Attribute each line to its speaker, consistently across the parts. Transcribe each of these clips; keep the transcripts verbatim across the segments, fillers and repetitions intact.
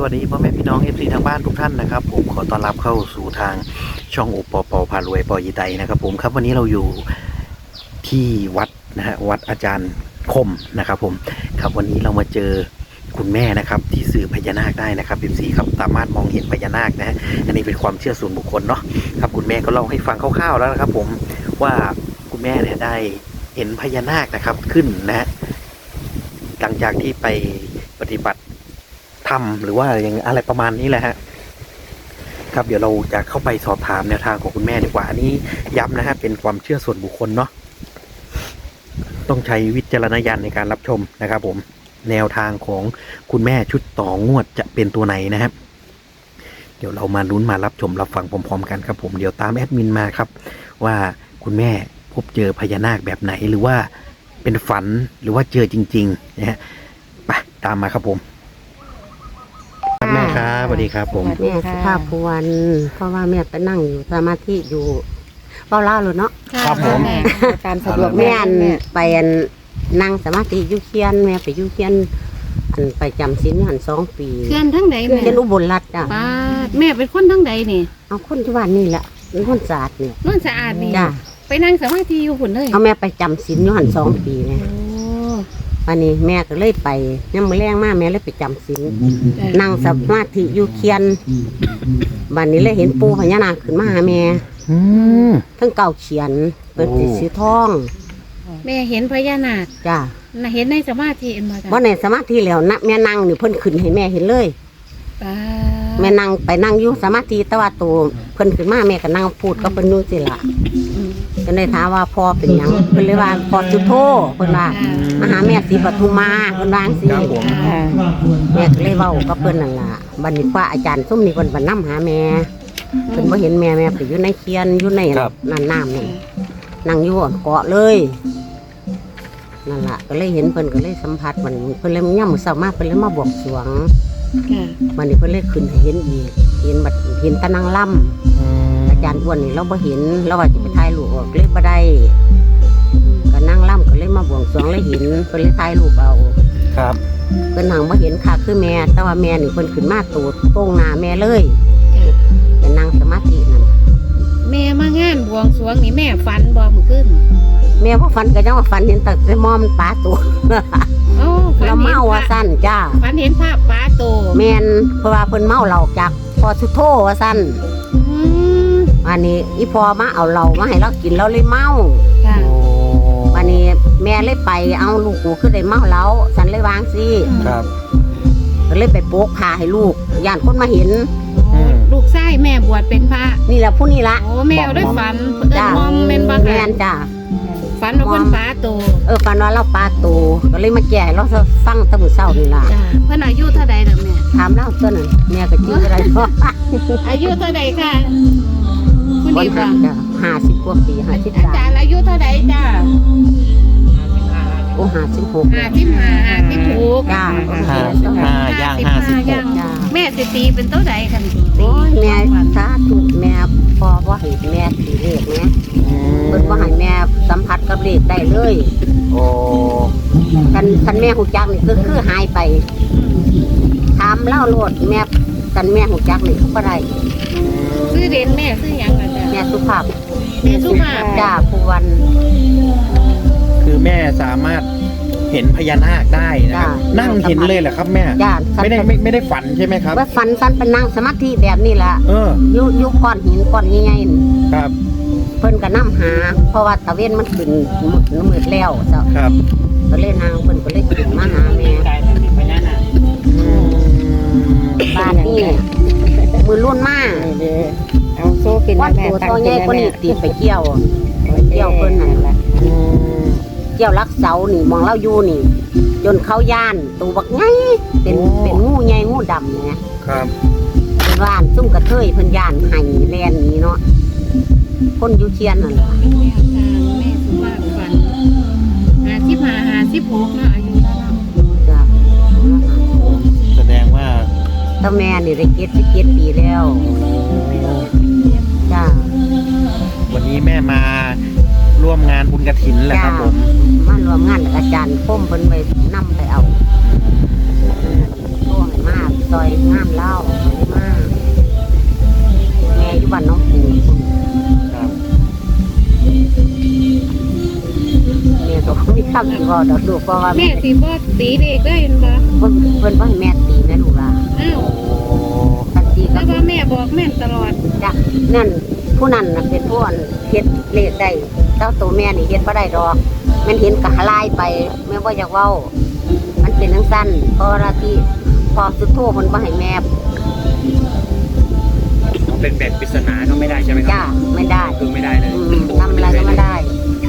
Speaker 1: วัสดีพ่อแม่พี่น้อง เอฟ ซี ทางบ้านทุกท่านนะครับผมขอต้อนรับเข้าสู่ทางช่องโอปอปอพารวยปอยีไตนะครับผมครับวันนี้เราอยู่ที่วัดนะฮะวัดอาจารย์คมนะครับผมครับวันนี้เรามาเจอคุณแม่นะครับที่สื่อพญานาคได้นะครับ เอฟ ซี ครับสามารถมองเห็นพญานาคนะฮะอันนี้เป็นความเชื่อส่วนบุคคลเนาะครับคุณแม่ก็เล่าให้ฟังคร่าวๆแล้วนะครับผมว่าคุณแม่เนี่ยได้เห็นพญานาคนะครับขึ้นนะฮะหลังจากที่ไปปฏิบัติทำหรือว่าอย่างอะไรประมาณนี้แหละฮะครับเดี๋ยวเราจะเข้าไปสอบถามแนวทางของคุณแม่ดีกว่าอันนี้ย้ำนะฮะเป็นความเชื่อส่วนบุคคลเนาะต้องใช้วิจารณญาณในการรับชมนะครับผมแนวทางของคุณแม่ชุดต่องวดจะเป็นตัวไหนนะครับเดี๋ยวเรามาลุ้นมารับชมรับฟังพร้อมๆกันครับผมเดี๋ยวตามแอดมินมาครับว่าคุณแม่พบเจอพญานาคแบบไหนหรือว่าเป็นฝันหรือว่าเจอจริงๆนะฮะไปตามมาครับผมแม่ครับสวัสดีครับผม
Speaker 2: แม่สุภาพพวนเพราะว่าแม่ไปนั่งอยู่สมาธิอยู่เบ้าเล่าเลยเนาะ
Speaker 1: ครับผม
Speaker 3: แม่ตามสะดวก
Speaker 2: แม่อัน
Speaker 3: แม่
Speaker 2: ไปอันนั่งสมาธิอยู่เคียนแม่ไปอยู่เคียนอันไปจำศีลอยู่หันสองปี
Speaker 3: เพื่อนทั้งใดแม่
Speaker 2: เคียนอุบลรัตน์จ้ะ
Speaker 3: ป้าดแม่เป็นคนทั้งใดนี่
Speaker 2: เอาคนที่บ้านนี่แหละเป็นคนศาสตร์เนี่ย
Speaker 3: นวลสะอาดนี่
Speaker 2: จ้ะ
Speaker 3: ไปนั่งสมาธิอยู่หุ่นเลย
Speaker 2: เอาแม่ไปจำศีลอยู่หันสองปีเนี่ย
Speaker 3: โอ้
Speaker 2: วันนี้แม่ก็เลยไปยังมือแรงมากแม่เลยไปจำศีลนั่งสมาธิอยู่เคียนวันนี้เลยเห็นปูพญานาคขึ้นมาหาแม่
Speaker 1: อืม
Speaker 2: ทั้งเก่าเขียนเปิดสีสีทอง
Speaker 3: แม่เห็นพญานาค
Speaker 2: จ้ะ
Speaker 3: น่ะเห็นในสมาธิเอ็นมาจ้ะ
Speaker 2: ว่าในสมาธิแล้วนะแม่นั่งนี่เพิ่นขึ้นให้แม่เห็นเลย
Speaker 3: ป้า
Speaker 2: แม่นั่งไปนั่งอยู่สมาธิแต่ว่าตัวเพิ่นขึ้นมาแม่ก็นั่งพูดก็เพิ่นนู่นสิล่ะ
Speaker 3: อืม
Speaker 2: ก็เลยถามว่าพ่อเป็นหยังเพิ่นเลยว่าพ่อจุโธเพิ่นว่ามาหาแม่ศรีปทุมมาเพิ่นว่าจังซี่
Speaker 1: ครับผม
Speaker 3: อ่า
Speaker 2: แม่ก็เลยเว้ากับเพิ่นนั่นล่ะบัดนี้ว่าอาจารย์ซุ่มนี่เพิ่นบ่นำหาแม่เพิ่นบ่เห็นแม่แม่ไปอยู่ในเคียนอยู่ในนั่นน้ำนี่นั่งอยู่อ่อนเกาะเลยนั่นล่ะก็เลยเห็นเพิ่นก็เลยสัมผัสมันเพิ่นเลยย่ำมื้อเช้ามาเพิ่นเลยมาบวงสรวง
Speaker 3: ค่ะ
Speaker 2: วันนี้เพิ่นเลยขึ้นให้เห็นอีกเห็นบัดเห็นตะนางล่ำอาจารย์อ้วนนี่เราบ่เห็นเราว่าจะไปถ่ายรูปออกเลยบ่ได้ก็นั่งล่ำก็เลยมาบวงสรวงเลยเห็นเพิ่นเลยถ่ายรูปเอา
Speaker 1: ครับ
Speaker 2: เพิ่นหังบ่เห็นค่ะคือแม่แต่ว่าแม่นี่เพิ่นขึ้นมาตูดโป้งหน้าแม่เลยไปนั่งสมาธินั่น
Speaker 3: แม่มางานบวงสรวงนี่แม่ฝันบ่มื้อคืน
Speaker 2: แม่บ่ฝันก็จังว่าฝันเห็นแต่แต่มอมนปลาตัว
Speaker 3: โอ้ฝัน
Speaker 2: เรา
Speaker 3: เห็น
Speaker 2: เมา
Speaker 3: พ
Speaker 2: ว่า
Speaker 3: ระ
Speaker 2: ซั่นจ้า
Speaker 3: ฝันเห็นภาพป้าโต
Speaker 2: แม่นเพราะว่าเพิ่นเมาเหล้าจากพอสุโธว่าซั่น
Speaker 3: อืม
Speaker 2: อันนี้อีพอมาเอาเหล้ามาให้เรากินเราเลยเมา
Speaker 3: ค่ะ
Speaker 1: โอ้
Speaker 2: วันนี้แม่เลยไปเอาลูกกูขึ้นได้เมาแล้วฉันเลยวางสิ
Speaker 1: ครับ
Speaker 2: ก็เลยไปโปกพาให้ลูกย่านคนมาเห็น
Speaker 3: โอ้ลูกชายแม่บวชเป็นพระ
Speaker 2: นี่แหละผู้นี้ละ
Speaker 3: โอ้แม่เอาได้ฝันเอิ้น
Speaker 2: จ้าม
Speaker 3: อมเป็นบ่
Speaker 2: แม่
Speaker 3: ค่ะ
Speaker 2: นจ้า
Speaker 3: ฝันว่าเพิ่นป้าโต
Speaker 2: เออฝันว่าเราปลาตูก็เลยมาแก่เราฟังแตะมือเศร้านี่ล่ะ
Speaker 3: จ้ะเพิ่นอายุเท่าใดล่ะแม่
Speaker 2: ถามเล่าตัวนั้นแม่ก็จื้ออะไรเพราะ
Speaker 3: อายุเท่าใดค่ะคุณ
Speaker 2: คน
Speaker 3: ดี
Speaker 2: หั
Speaker 3: ค่ะ
Speaker 2: กจ้ะห้าสิบกว่าปีห้าสิบ
Speaker 3: อา
Speaker 2: สาม
Speaker 3: จารย์อายุเท่าใดจ้ะ
Speaker 2: โอ้ห้าสิบหก
Speaker 3: ห้าสิบห้าห้าสิบหก
Speaker 2: จ้า
Speaker 1: ห้าสิบห้าย่างห้าสิบหก
Speaker 2: จ้า
Speaker 3: แม่สิตีเป็นเท่าใดค่ะ
Speaker 2: โอ้ยแม่สาธุแม่พอว่าให้แม่สีเลขแม่เพิ่นว่าให้แม่สัมผัสกับเลขได้เลย
Speaker 1: โอ้
Speaker 2: กันกันแม่หูจักนี่ก็คือหายไปถามเล่าโลดแม่กันแม่หูจักนี่เขาก็ได้
Speaker 3: ซื้อเด่นแม่ซื้อหยังล่ะจ้ะ
Speaker 2: แม่สุภาพ
Speaker 3: แม่สุภาพ
Speaker 2: จ้าผู้วัน
Speaker 1: คือแม่สามารถเห็นพญานาคได้นะครับ
Speaker 2: จ้ะ
Speaker 1: นั่งเห็นเลยเหรอครับแม่
Speaker 2: จ้า
Speaker 1: ไม่ได้ไม่ไม่ได้ฝันใช่ไหมครับ
Speaker 2: ว่าฟันฟันเป็นนั่งสมาธิแบบนี้แหละ
Speaker 1: เออ
Speaker 2: ยุยุก้อนหินก้อนใหญ่ๆนี่
Speaker 1: ครับ
Speaker 2: เพิ่นก็นํหา เพราะว่าตะเวนมันขึ้นมืดมืดแล้วเจ้า
Speaker 1: ครับ
Speaker 2: ก็เลยนางเพิ่นก็เลยขึ้นมาหาแม่
Speaker 1: อืม
Speaker 2: บ้านนี่มือรุ่นมาก
Speaker 3: เอาโซ่กิน
Speaker 2: วัดตัวตัวใหญ่คนนี้ตีไปเกี่ยวไปเกี่ยวเพิ่นนั่นแหละ
Speaker 1: อืม
Speaker 2: เกี่ยวรักเสานี่มองเล่าอยู่นี่ จนเขาย่านตัวบักไงเป็นเป็นงูใหญ่งูดำเนี่ย
Speaker 1: ครับ
Speaker 2: เป็นว่านซุ่มกระเทยเพิ่นย่านไห้แลนนี่เนาะคนอยู่เชียนนั่นล่ะ
Speaker 3: แม่ทางแม่สุภาพฝันห้าสิบห้าห้าสิบหกเนาะอายุเท่านั้น
Speaker 2: จ้ะ
Speaker 1: แสดงว่า
Speaker 2: ตาแม่นี่ได้เก็ดสิบเก็ดปีแล้วจ้า
Speaker 1: วันนี้แม่มาร่วมงานบุญกฐินแหละครับผม
Speaker 2: มารวมงานกับอาจารย์คมเพิ่นไปนำไปเอาโอ้ยมาซอยงานว่าดอกลูกเพราะว่า
Speaker 3: แม่
Speaker 2: แม่
Speaker 3: สิบ่ตีเด็กได้เห็นบ่
Speaker 2: เพิ่นเพิ่นว่าให้แม่ตีแม่ลูกล่ะ
Speaker 3: อ้าว
Speaker 2: ทันที
Speaker 3: แล้
Speaker 2: ก็
Speaker 3: วว่าแม่บอกแม่นตลอด
Speaker 2: จ้ะนั่นผู้นั้นน่ะเป็นผู้อันเฮ็ดเลขได้เจ้าตัวแม่นี่เฮ็ดบ่ได้ดอกมันเห็นกะลายไปแม่บ่อยากเว้ามันเป็นจังซั่นเพราะว่าที่พอสุดโทเพิ่นบ่ให้แม่
Speaker 4: เป็นแบบปริศนาก็ไม่ได้ใช่ไหมค
Speaker 2: จ้า
Speaker 4: รับ
Speaker 2: ไม่ได้
Speaker 4: คือไม่ได้เลย
Speaker 2: อืมทำอะไรก็ไม่ได้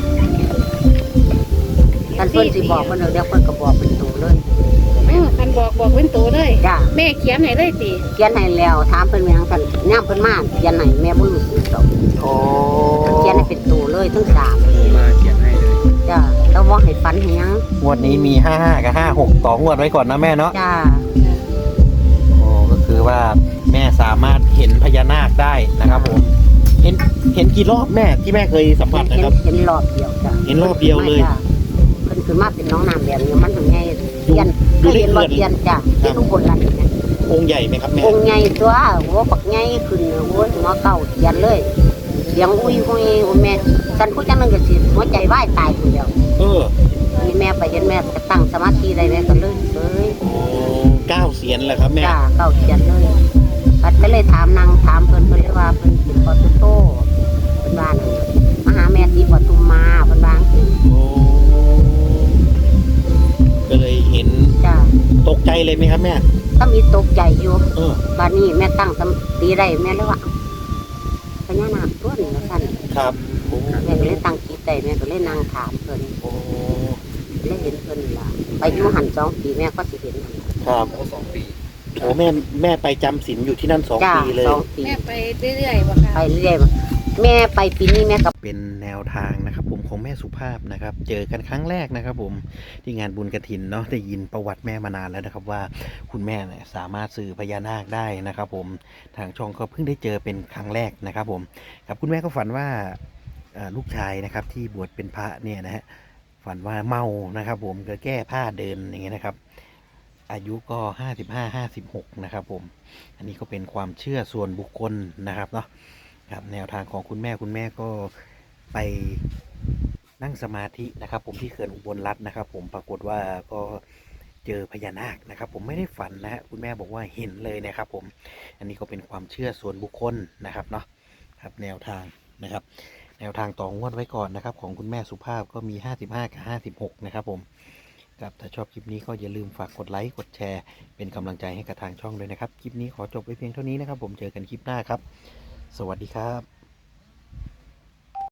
Speaker 2: ท่านเพิ่นสิบอกเพิ่นเดี๋ยวเพิ่นก็บอกเป็นตัวเลย
Speaker 3: เออคันบอกบอกเป็นตัวเลย
Speaker 2: จ้า
Speaker 3: แม่เขียนให้เลยติ
Speaker 2: เขียนให้แล้วถามเพิ่นแม่งกันย่ามเพิ่นมาเขียนให้แม่บ่รู้สึกดอก
Speaker 1: โอ้
Speaker 2: เขียนให้เป็นตัวเลยทั้งสาม
Speaker 4: มาเขียนให้เลย
Speaker 2: จ้าแล้วบ่ให้ฝันให้หยัง
Speaker 1: งวดนี้มีห้าห้ากับห้าหกต่องวดไว้ก่อนนะแม่เนาะ
Speaker 2: จ้า
Speaker 1: โอ้ก็คือว่าแม่สามารถเห็นพญานาคได้นะครับผมเห็นเห็นกี่รอบแม่ที่แม่เคยสัมผัส
Speaker 2: เห็
Speaker 1: นะ
Speaker 2: น
Speaker 1: ครับ
Speaker 2: เห็นรอบเดียวจ้า
Speaker 1: เห็นรอบเดียวเลย
Speaker 2: จ้ะเพิ่นขึ้นมาเป็นน้องน้ำแบบนี้มันถึงไงเทียน
Speaker 1: ดู
Speaker 2: เคย
Speaker 1: ได้
Speaker 2: เห็นบ่
Speaker 1: เขื่อน
Speaker 2: เทียนจ้ะที่ทุกคนรันเนี่ย
Speaker 1: องค์ใหญ่ไหมครับแม่
Speaker 2: องค์ใหญ่ตัวโอ้ปักใหญ่ขึ้นโอ้ยหัวเก่าเทียนเลยเสียงอุ้ยอุ้ยโอ้แม่ฉันพูดจังนึงก็สิหัวใจวายตายคนเดียว
Speaker 1: เออ
Speaker 2: นี่แม่ไปเห็นแม่ก็ตั้งสมาธิได้แม่ก็เลยเอ้ย
Speaker 1: โอ้เก้าเสียนแหละครับแม่
Speaker 2: จ้าเก่าเทียนเลยปัดก็เลยถามนางถามเพิ่นเพิ่นเลยว่าเพิ่นสิขอตุโตเพิ่นว่านั่นมาหาแม่ที่ปทุมมาเพิ่นว่าจังซี่
Speaker 1: โอ้ก็เลยเห็น
Speaker 2: จ้า
Speaker 1: ตกใจเลยไหมครับแม่
Speaker 2: ก็มีตกใจอยู่
Speaker 1: เออ
Speaker 2: บ้านนี้แม่ตั้งสติได้แม่เลยว่าพญานาคตัวนี้ละท่าน
Speaker 1: ครับโอ้
Speaker 2: แม่ก็เลยตั้งจิตได้แม่ก็เลยนั่งถามเพิ่น
Speaker 1: โอ้
Speaker 2: เลยเห็นเพิ่นนี่ล่ะไปอยู่หันสองปีแม่ก็สิเห็นนั่นล่ะ
Speaker 1: ครับ
Speaker 4: โอ้สองปี
Speaker 1: โอ้แม่แม่ไปจำศีลอยู่ที่นั่นสอง
Speaker 2: จ้า
Speaker 1: ปีเลย
Speaker 2: สองปี
Speaker 3: แม่ไปเรื่อยๆบ่ค่ะ
Speaker 2: ไปเรื่อยมาแม่ไปปีนี้แม่ก็
Speaker 1: เป็นแนวทางนะครับผมของแม่สุภาพนะครับ เจอกันครั้งแรกนะครับผมที่งานบุญกฐินเนาะได้ยินประวัติแม่มานานแล้วนะครับว่าคุณแม่เนี่ยสามารถสื่อพญานาคได้นะครับผมทางช่องก็เพิ่งได้เจอเป็นครั้งแรกนะครับผมครับคุณแม่ก็ฝันว่าเอ่อลูกชายนะครับที่บวชเป็นพระเนี่ยนะฮะฝันว่าเมานะครับผมก็แก้ผ้าเดินอย่างเงี้ยนะครับ อายุก็ห้าสิบห้าห้าสิบหกนะครับผมอันนี้ก็เป็นความเชื่อส่วนบุคคลนะครับเนาะครับแนวทางของคุณแม่คุณแม่ก็ไปนั่งสมาธินะครับ ผมที่เขื่อนอุบลรัตน์นะครับ ผมปรากฏว่าก็เจอพญานาคนะครับ ผมไม่ได้ฝันนะฮะคุณแม่บอกว่าเห็นเลยนะครับ ผมอันนี้ก็เป็นความเชื่อส่วนบุคคลนะครับเนาะครับแนวทางนะครับ แนวทางต่องวดไว้ก่อนนะครับ ของคุณแม่สุภาพก็มีห้าสิบห้ากับห้าสิบหกนะครับผมครับถ้าชอบคลิปนี้ก็อย่าลืมฝากกดไลค์กดแชร์เป็นกำลังใจให้กับทางช่องด้วยนะครับคลิปนี้ขอจบไว้เพียงเท่านี้นะครับ ผมเจอกันคลิปหน้าครับ สวัสดีครับ